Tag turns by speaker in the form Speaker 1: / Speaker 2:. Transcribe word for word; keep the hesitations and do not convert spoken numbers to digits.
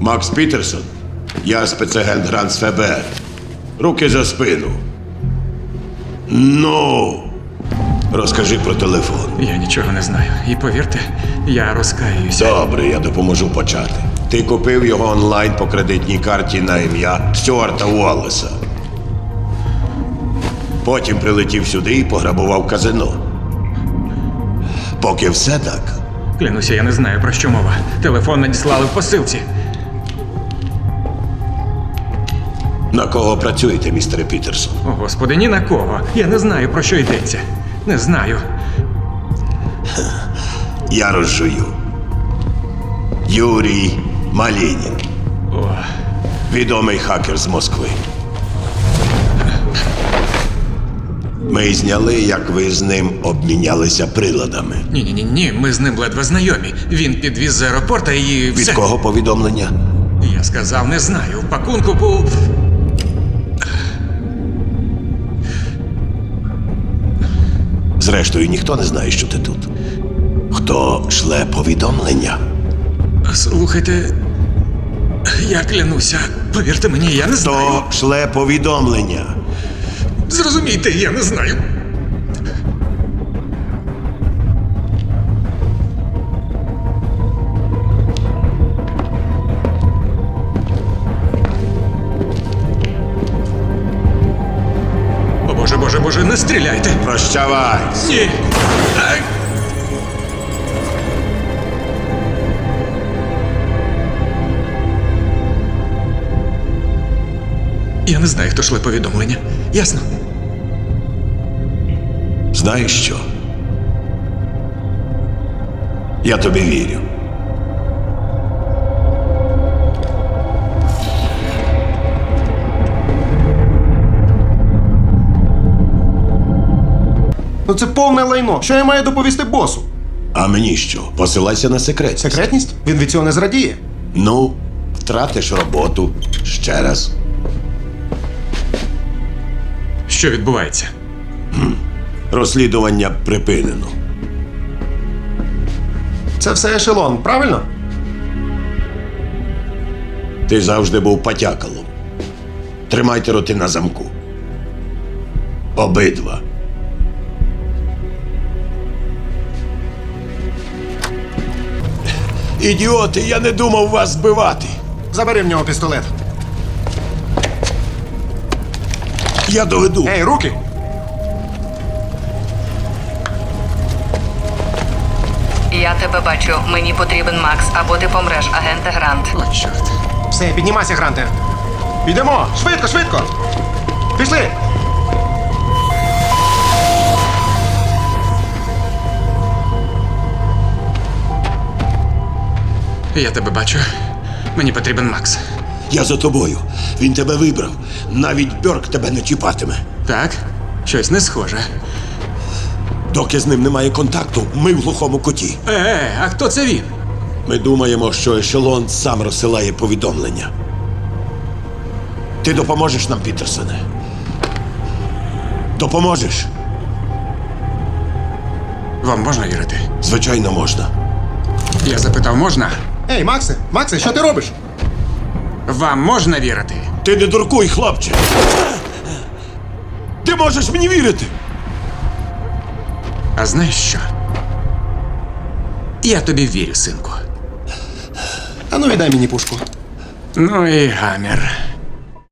Speaker 1: Макс Пітерсон, я спецагент Грант з Ф Б Р. Руки за спину. Ну, розкажи про телефон.
Speaker 2: Я нічого не знаю. І повірте, я розкаюся.
Speaker 1: Добре, я допоможу почати. Ти купив його онлайн по кредитній карті на ім'я Стюарта Уоллеса. Потім прилетів сюди і пограбував казино. Поки все так.
Speaker 2: Клянуся, я не знаю, про що мова. Телефон надіслали в посилці.
Speaker 1: На кого працюєте, містере Пітерсон?
Speaker 2: О, Господи, ні на кого. Я не знаю, про що йдеться. Не знаю.
Speaker 1: Я розжую. Юрій Малінін.
Speaker 2: О,
Speaker 1: Відомий хакер з Москви. Ми зняли, як ви з ним обмінялися приладами.
Speaker 2: ні-ні-ні, ні, ми з ним ледве знайомі. Він підвіз з аеропорта і
Speaker 1: Від
Speaker 2: все.
Speaker 1: кого повідомлення?
Speaker 2: Я сказав, не знаю. В пакунку був...
Speaker 1: Зрештою, ніхто не знає, що ти тут. Хто шле повідомлення?
Speaker 2: Слухайте, я клянуся. Повірте мені, я не знаю.
Speaker 1: Хто шле повідомлення?
Speaker 2: Зрозумійте, я не знаю. О, Боже, Боже, Боже, не стріляйте!
Speaker 1: Прощавай!
Speaker 2: Ні! Ай! Я не знаю, хто шле повідомлення. Ясно?
Speaker 1: Знаєш що? Я тобі вірю.
Speaker 3: Ну це повне лайно. Що я маю доповісти босу?
Speaker 1: А мені що? Посилайся на секретність.
Speaker 3: Секретність? Він від цього не зрадіє.
Speaker 1: Ну, втратиш роботу. Ще раз.
Speaker 2: Що відбувається?
Speaker 1: Розслідування припинено.
Speaker 3: Це все ешелон, правильно?
Speaker 1: Ти завжди був потякалом. Тримайте роти на замку. Обидва. Ідіоти, я не думав вас збивати.
Speaker 3: Забери в нього пістолет.
Speaker 1: Я доведу.
Speaker 3: Ей, руки!
Speaker 4: Я тебе бачу. Мені потрібен Макс, або ти помреш, агенте Грант.
Speaker 2: О, чорт.
Speaker 3: Все, піднімайся, Гранте. Йдемо! Швидко, швидко! Пішли!
Speaker 2: Я тебе бачу. Мені потрібен Макс.
Speaker 1: Я за тобою. Він тебе вибрав. Навіть Бьорк тебе не чіпатиме.
Speaker 2: Так? Щось не схоже.
Speaker 1: Доки з ним немає контакту, ми в глухому куті.
Speaker 2: Е, е, а хто це він?
Speaker 1: Ми думаємо, що ешелон сам розсилає повідомлення. Ти допоможеш нам, Пітерсоне? Допоможеш?
Speaker 2: Вам можна вірити?
Speaker 1: Звичайно, можна.
Speaker 2: Я запитав, можна?
Speaker 3: Ей, Максе, Максе, що ти робиш?
Speaker 2: Вам можна вірити?
Speaker 1: Ти не дуркуй, хлопче! Ти можеш мені вірити!
Speaker 2: А знаєш що? Я тобі вірю, синку.
Speaker 3: А ну віддай мені пушку.
Speaker 2: Ну і гамір.